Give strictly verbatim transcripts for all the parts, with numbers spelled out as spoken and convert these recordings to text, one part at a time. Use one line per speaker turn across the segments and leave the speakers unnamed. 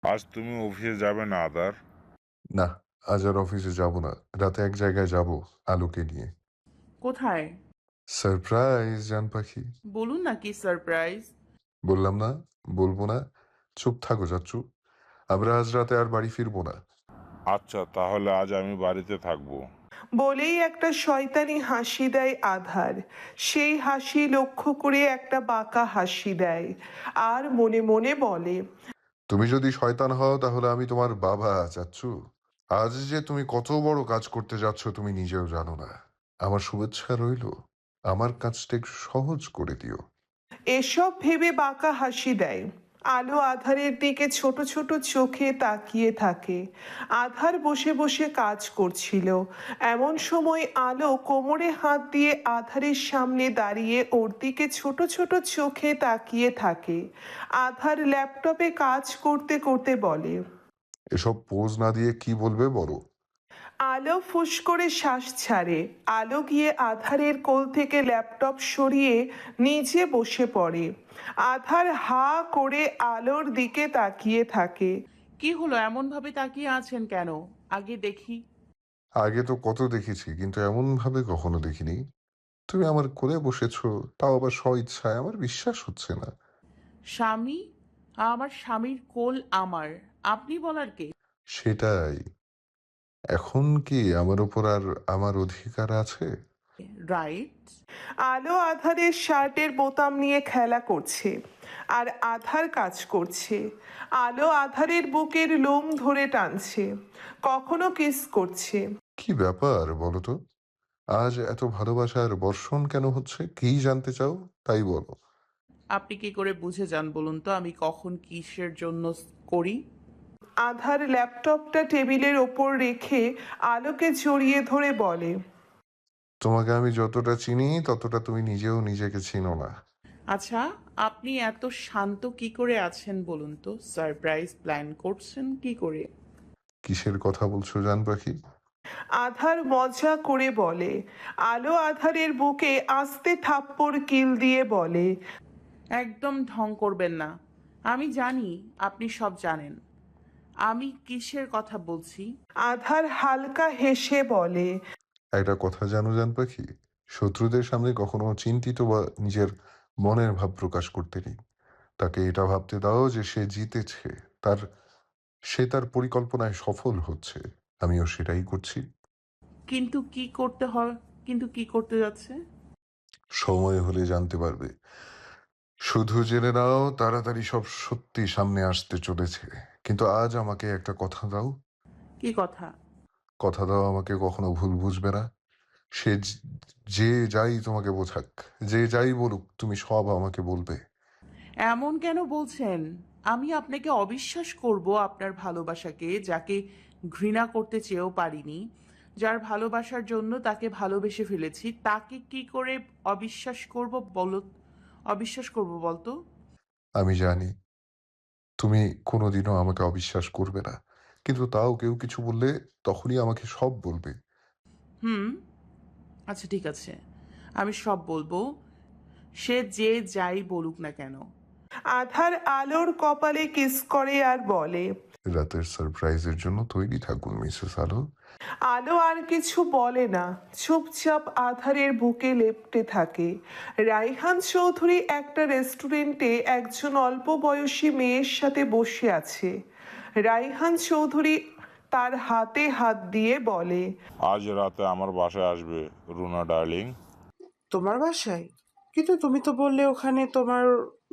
আজ তুমি অফিসে যাবে না আদার?
না, আজ আর অফিসে যাব না। রাতে এক জায়গায় যাব আলোকে নিয়ে।
কোথায়?
সারপ্রাইজ জান পাখি।
বলুন না কি সারপ্রাইজ?
বললাম না, বলবো না। চুপ থাকো চাচ্চু। আমরা আজ রাতে আর বাড়ি ফিরবো না।
আচ্ছা, তাহলে আজ আমি বাড়িতে থাকবো।
বলেই একটা শয়তানি হাসি দেয় আধার। সেই হাসি লক্ষ্য করে একটা বাঁকা হাসি দেয় আর মনে মনে বলে,
তুমি যদি শয়তান হও তাহলে আমি তোমার বাবা চাচ্চু। আজ যে তুমি কত বড় কাজ করতে যাচ্ছ তুমি নিজেও জানো না। আমার শুভেচ্ছা রইল। আমার কাজটা একটু সহজ করে দিও।
এসব ভেবে বাঁকা হাসি দেয়। আলো আধারের দিকে ছোট ছোট চোখে তাকিয়ে থাকে। আধার বসে বসে কাজ করছিল। এমন সময় আলো কোমরে হাত দিয়ে আধারের সামনে দাঁড়িয়ে ওর দিকে ছোট ছোট চোখে তাকিয়ে থাকে। আধার ল্যাপটপে কাজ করতে করতে বলে,
এসব পোজ না দিয়ে কি বলবে বলো।
আলো ফুস করে শ্বাস ছাড়ে। আলো গিয়ে আধারের কোল থেকে ল্যাপটপ সরিয়ে নিচে বসে পড়ে। আধার হা করে আলোর দিকে তাকিয়ে থাকে।
কি হলো, এমন ভাবে তাকিয়ে আছেন কেন? আগে দেখি।
আগে তো কত দেখেছি কিন্তু এমন ভাবে কখনো দেখিনি। তুমি আমার কোলে বসেছো, তাও আবার স্বইচ্ছায়। আমার বিশ্বাস হচ্ছে না।
স্বামী? আমার স্বামীর কোল আমার, আপনি বলার কে?
সেটাই। এখন কি আমার উপর আর আমার অধিকার আছে?
রাইট।
আলো আধারের শার্টের বোতাম নিয়ে খেলা করছে আর আধার কাজ করছে। আলো আধারের বুকের লোম ধরে টানছে, কখনো কিস করছে।
কি ব্যাপার বলো তো? আজ এত ভালোবাসার বর্ষণ কেন হচ্ছে? কি জানতে চাও? তাই বলো।
আপনি কি করে বুঝে যান বলুন তো আমি কখন কিসের জন্য করি?
আধার ল্যাপটপটা টেবিলের ওপর রেখে আলোকে জড়িয়ে ধরে বলে,
তোমাকে আমি যতটা চিনি ততটা তুমি নিজেও নিজেকে চিনো না।
আচ্ছা, আপনি এত শান্ত কি করে আছেন বলুন তো? সারপ্রাইজ প্ল্যান করছেন কি করে?
কিসের কথা বলছো জান পাখি?
আধার মজা করে বলে। আলো আধারের বুকে আস্তে থাপ্পড় কিল দিয়ে বলে,
একদম ঢং করবেন না। আমি জানি আপনি সব জানেন। আমি কিসের কথা বলছি?
আধার হালকা হেসে বলে,
একটা কথা জানো জান পাখি? শত্রুদের সামনে কখনো চিন্তিত বা নিজের মনের ভাব প্রকাশ করতে নেই। তাকে এটা ভাবতে দাও যে সে জিতেছে। তার সে তার পরিকল্পনায় সফল হচ্ছে। আমিও সেটাই করছি।
কিন্তু কি করতে হয়? কিন্তু কি করতে যাচ্ছে?
সময় হলে জানতে পারবে। শুধু জেনে নাও তাড়াতাড়ি সব সত্যি সামনে আসতে চলেছে। কিন্তু আজ আমাকে একটা কথা দাও।
কি কথা?
কথা দাও আমাকে কখনো ভুল বুঝবে না। সে যে যে যাই তোমাকে বোঝাক, যে যাই বলুক তুমি সব আমাকে বলবে।
এমন কেন বলছেন? আমি আপনাকে অবিশ্বাস করব আপনার ভালোবাসাকে, যাকে ঘৃণা করতে চেয়েও পারিনি, যার ভালোবাসার জন্য তাকে ভালোবেসে ফেলেছি, তাকে কি করে অবিশ্বাস করব বলো? অবিশ্বাস করব বলতো?
আমি জানি তুমি কোনোদিনও আমাকে অবিশ্বাস করবে না। কিন্তু তাও কেউ কিছু বললে তখনই আমাকে সব বলবে।
হুম, আচ্ছা ঠিক আছে, আমি সব বলবো, সে যে যাই বলুক না কেন।
আধার আলোর কপালে কিস করে আর বলে,
রাতের সারপ্রাইজের জন্য তৈরি থাকুন মিসেস আলো।
আলো আর কিছু বলে না, চুপচাপ আধারের বুকে লেপ্টে থাকে। রাইহান চৌধুরী একটা রেস্টুরেন্টে একজন অল্প বয়সী মেয়ের সাথে বসে আছে। রাইহান চৌধুরী তার হাতে হাত দিয়ে বলে,
আজ রাতে আমার বাসায় আসবে রুনা ডার্লিং।
তোমার বাসায়? কিন্তু তুমি তো বললে ওখানে তোমার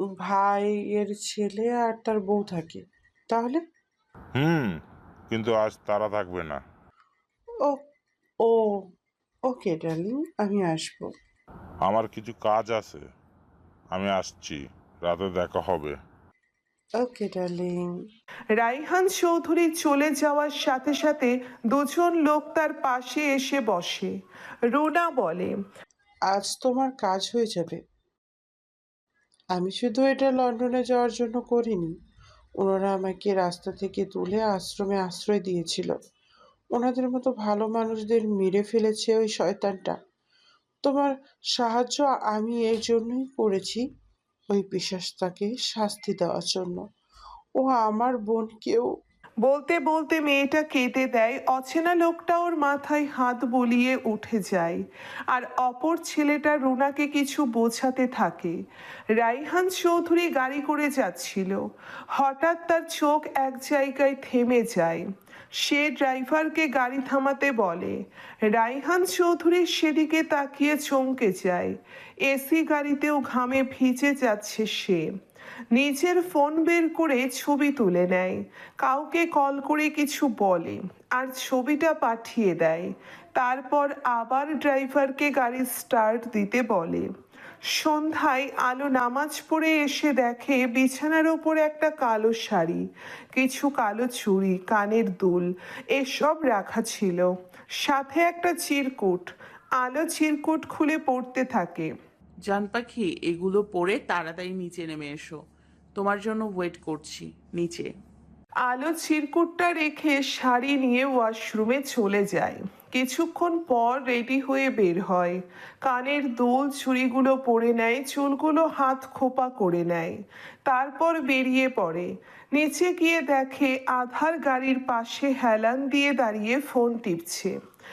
ভাইয়ের ছেলে আর তার বউ থাকে। তাহলে?
হুম, কিন্তু আজ তারা থাকবে না।
ও ও ওকে ডার্লিং, আমি আসবো।
আমার কিছু কাজ আছে, আমি আসছি। রাতে দেখা হবে।
ওকে ডার্লিং।
রাইহান চৌধুরী চলে যাওয়ার সাথে সাথে দুজন লোক তার পাশে এসে বসে। রুনা বলে,
আজ তোমার কাজ হয়ে যাবে। আমি শুধু এটা লন্ডনে যাওয়ার জন্য করিনি। ওনারা আমাকে রাস্তা থেকে তুলে আশ্রমে আশ্রয় দিয়েছিল। ওনাদের মতো ভালো মানুষদের মেরে ফেলেছে ওই শয়তানটা। তোমার সাহায্য আমি এই জন্যই করেছি, ওই পিশাচটাকে শাস্তি দেওয়ার জন্য। ও আমার বোনকেও।
বলতে বলতে মেয়েটা কেঁদে দেয়। অচেনা লোকটা ওর মাথায় হাত বুলিয়ে উঠে যায় আর অপর ছেলেটা রুনাকে কিছু বোঝাতে থাকে। রাইহান চৌধুরী গাড়ি করে যাচ্ছিল। হঠাৎ তার চোখ এক জায়গায় থেমে যায়। সে ড্রাইভারকে গাড়ি থামাতে বলে। রাইহান চৌধুরী সেদিকে তাকিয়ে চমকে যায়। এসি গাড়িতেও ঘামে ভিজে যাচ্ছে সে। নিজের ফোন বের করে ছবি তুলে নেয়, কাউকে কল করে কিছু বলে আর ছবিটা পাঠিয়ে দেয়। তারপর আবার ড্রাইভারকে গাড়ি স্টার্ট দিতে বলে। সন্ধ্যায় আলো নামাজ পড়ে এসে দেখে বিছানার ওপর একটা কালো শাড়ি, কিছু কালো চুড়ি, কানের দুল এসব রাখা ছিল, সাথে একটা চিরকুট। আলো চিরকুট খুলে পড়তে থাকে।
জান পাখি, এগুলো পরে তাড়াতাড়ি নিচে নেমে এসো, তোমার জন্য ওয়েট করছি নিচে।
আলো চিরকুটটা রেখে শাড়ি নিয়ে ওয়াশরুমে চলে যায়। কিছুক্ষণ পর রেডি হয়ে বের হয়। কানের দুল চুড়িগুলো পরে নেয়, চুলগুলো হাত খোপা করে নেয়। তারপর বেরিয়ে পড়ে। নিচে গিয়ে দেখে আধার গাড়ির পাশে হেলান দিয়ে দাঁড়িয়ে ফোন টিপছে।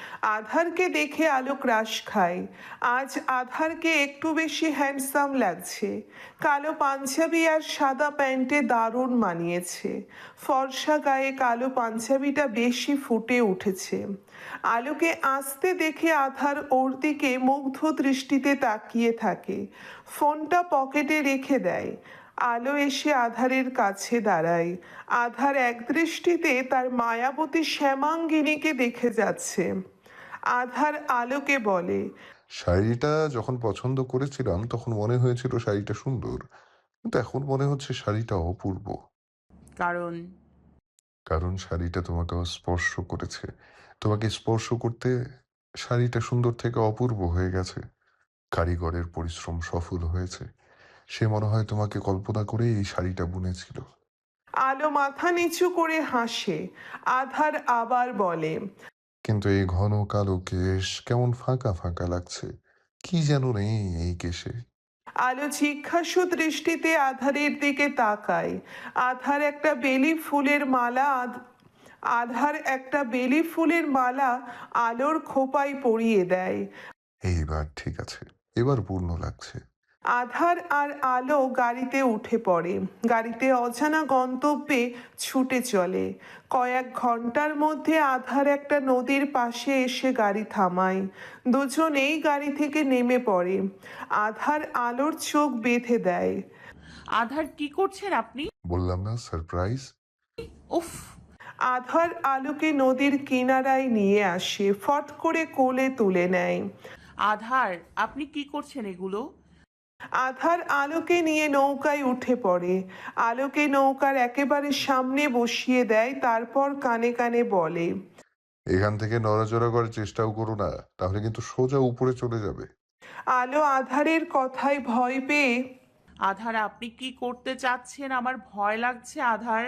আধারকে দেখে আলো ক্রাশ খায়। আজ আধারকে একটু বেশি হ্যান্ডসাম লাগছে। কালো পাঞ্জাবি আর সাদা প্যান্টে দারুণ মানিয়েছে। ফর্সা গায়ে কালো পাঞ্জাবিটা বেশি ফুটে উঠেছে। আলোকে আসতে দেখে আধার ওর দিকে মুগ্ধ দৃষ্টিতে তাকিয়ে থাকে। ফোনটা পকেটে রেখে দেয়। আলো এসে আধারের কাছে দাঁড়ায়। আধার এক দৃষ্টিতে তার মায়াবতী শ্যামাঙ্গিনীকে দেখে যাচ্ছে। আধার আলোকে বলে,
শাড়িটা যখন পছন্দ করেছিলাম তখন মনে হয়েছিল শাড়িটা সুন্দর, কিন্তু এখন মনে হচ্ছে শাড়িটা অপূর্ব।
কারণ
কারণ শাড়িটা তোমাকে স্পর্শ করেছে। তোমাকে স্পর্শ করতে শাড়িটা সুন্দর থেকে অপূর্ব হয়ে গেছে। কারিগরের পরিশ্রম সফল হয়েছে। সে মনে হয় তোমাকে কল্পনা করে এই শাড়িটা বুনেছিল।
আলো মাথা নিচু করে হাসে। আধার আবার বলে,
কিন্তু এই ঘন কালো কেশ কেমন ফাঁকা ফাঁকা লাগছে, কি যেন নেই এই কেশে।
আলো জিজ্ঞাসু দৃষ্টিতে আধারের দিকে তাকায়। আধার একটা বেলি ফুলের মালা আধ- আধার একটা বেলি ফুলের মালা আলোর খোপায় পরিয়ে দেয়।
এইবার ঠিক আছে, এবার পূর্ণ লাগছে।
আধার আর আলো গাড়িতে উঠে পড়ে। গাড়িতে অজানা গন্তব্যে ছুটে চলে। কয়েক ঘন্টার মধ্যে আধার একটা নদীর পাশে এসে গাড়ি থামায়। দুজনেই গাড়ি থেকে নেমে পড়ে। আধার আলোর চোখ বেঁধে দেয়।
আধার, কি করছেন আপনি?
বললাম না সারপ্রাইজ।
উফ।
আধার আলোকে নদীর কিনারায় নিয়ে আসে, ফট করে কোলে তুলে নেয়।
আধার, আপনি কি করছেন এগুলো?
আধার আলোকে নিয়ে নৌকায় উঠে পড়ে। আলোকে নৌকার একেবারে সামনে বসিয়ে দেয়, তারপর কানে কানে বলে,
এখান থেকে নড়াচড়া করার চেষ্টাও করো না, তাহলে কিন্তু সোজা উপরে চলে যাবে।
আলো আধারের কথায় ভয় পেয়ে,
আধার, আপনি কি করতে চাচ্ছেন? আমার ভয় লাগছে আধার।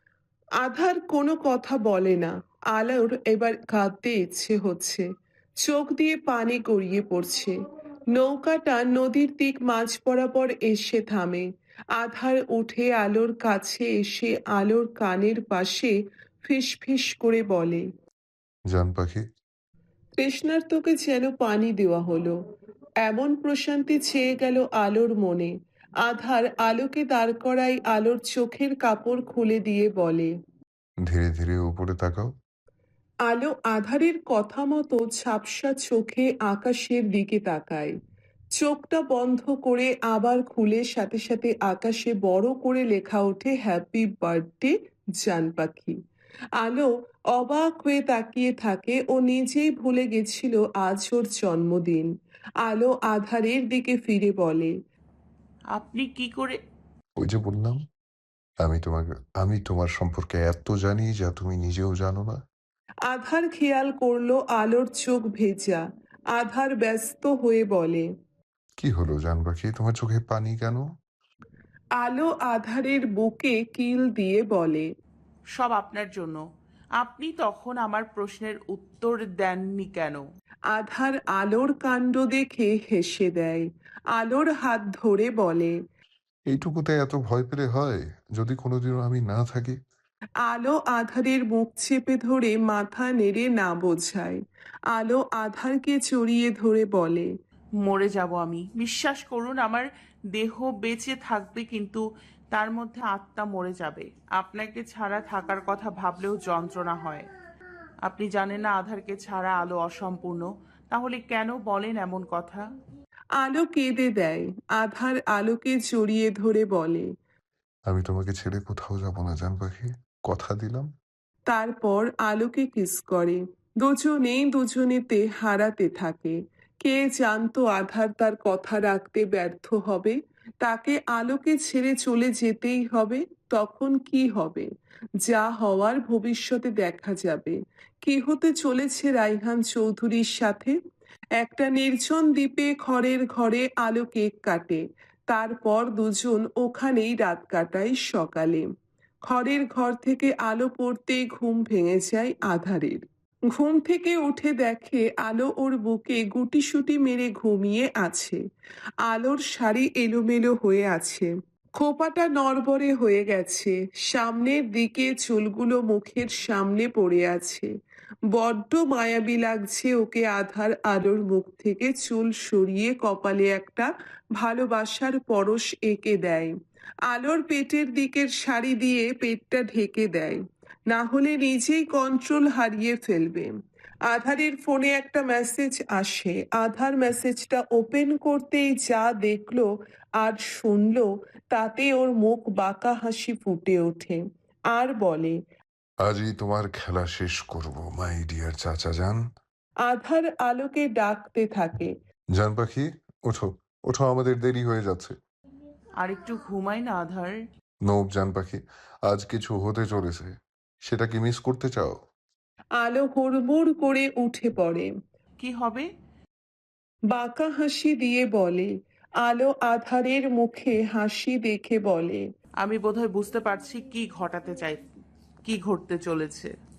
আধার কোনো কথা বলে না। আলোর এবার কাঁদতে ইচ্ছে হচ্ছে, চোখ দিয়ে পানি গড়িয়ে পড়ছে। নৌকাটা নদীর দিক মাঝ বরাবর এসে থামে। আধার উঠে আলোর কাছে এসে আলোর কানের পাশে ফিস ফিস করে বলে,
জান পাখি,
তৃষ্ণার্তকে যেন পানি দেওয়া হলো। এমন প্রশান্তি ছেয়ে গেল আলোর মনে। আধার আলোকে দাঁড় করায় আলোর চোখের কাপড় খুলে দিয়ে বলে।
ধীরে ধীরে উপরে তাকাও।
আলো আধারের কথা মতো ঝাপসা চোখে আকাশের দিকে তাকায়। চোখটা বন্ধ করে আবার খুলে সাথে সাথে আকাশে বড় করে লেখা ওঠে হ্যাপি বার্থডে জান পাখি। আলো অবাক হয়ে তাকিয়ে থাকে। ও নিজেই ভুলে গেছিল আজ ওর জন্মদিন। আলো আধারের দিকে ফিরে বলে,
আপনি কি করে?
ওই যে বললাম, আমি তোমাকে আমি তোমার সম্পর্কে এত জানি যা তুমি নিজেও জানো না।
আধার খেয়াল করলো আলোর চোখ ভেজা। আধার ব্যস্ত হয়ে বলে,
কি হলো জান পাখি, তোমার চোখে পানি কেন?
আলো আধারের বুকে কিল দিয়ে বলে,
সব আপনার জন্য। আপনি তখন আমার প্রশ্নের উত্তর দেননি কেন?
আধার আলোর কাণ্ড দেখে হেসে দেয়। আলোর হাত ধরে বলে,
এইটুকুতে এত ভয় পেলে হয়? যদি কোনোদিনও আমি না থাকি?
আলো আধারের মুখ চেপে ধরে মাথা নেড়ে না বোঝায়। আলো আধারকে জড়িয়ে ধরে বলে,
মরে যাব আমি। বিশ্বাস করুন, আমার দেহ বেঁচে থাকবে, কিন্তু তার মধ্যে আত্মা মরে যাবে। আপনাকে ছাড়া থাকার কথা ভাবলেও যন্ত্রণা হয়। আপনি জানেন না আধারকে ছাড়া আলো অসম্পূর্ণ। তাহলে কেন বলেন এমন কথা?
আলো কেঁদে দেয়। আধার আলোকে জড়িয়ে ধরে বলে,
আমি তোমাকে ছেড়ে কোথাও যাব না জান পাখি। কথা দিলাম।
তারপর আলোকে কিস করে। দুজনেই দুজনেতে হারাতে থাকে। কে জানতো আধার তার কথা রাখতে ব্যর্থ হবে, তাকে আলোকে ছেড়ে চলে যেতেই হবে। তখন কি হবে? যা হওয়ার ভবিষ্যতে দেখা যাবে। কি হতে চলেছে রাইহান চৌধুরীর সাথে? একটা নির্জন দ্বীপে খড়ের ঘরে আলো কেক কাটে। তারপর দুজন ওখানেই রাত কাটায়। সকালে খড়ের ঘর থেকে আলো পড়তেই ঘুম ভেঙে যায় আধারের। ঘুম থেকে উঠে দেখে আলো ওর বুকে গুটিসুটি মেরে ঘুমিয়ে আছে। আলোর শাড়ি এলোমেলো হয়ে আছে, খোপাটা নড়বড়ে হয়ে গেছে, সামনের দিকে চুলগুলো মুখের সামনে পড়ে আছে। বড্ড মায়াবী লাগছে ওকে। আধার আলোর মুখ থেকে চুল সরিয়ে কপালে একটা ভালোবাসার পরশ এঁকে দেয়। আলোর পেটের দিকের শাড়ি দিয়ে পেটটা ঢেকে দেয়, না হলে নিজেই কন্ট্রোল হারিয়ে ফেলবে। আধারের ফোনে একটা মেসেজ আসে। আধার মেসেজটা ওপেন করতেই যা দেখলো আর শুনলো, তাতে ওর মুখ বাঁকা হাসি ফুটে ওঠে। আর বলে,
আজই তোমার খেলা শেষ করব মাই ডিয়ার চাচা যান।
আধার আলোকে ডাকতে থাকে,
জান পাখি, ওঠো, ওঠো, আমাদের দেরি হয়ে যাচ্ছে।
আর একটু ঘুমাই না আধার?
নোব জান পাখি, আজ কিছু হতে চলেছে। সেটা কি মিস করতে চাও?
আলো হুড়মুড় করে উঠে পড়ে।
কি হবে?
বাঁকা হাসি দিয়ে বলে। আলো আধারের মুখে হাসি দেখে বলে,
আমি বোধহয় বুঝতে পারছি কি ঘটাতে চাই, কি ঘটতে চলেছে।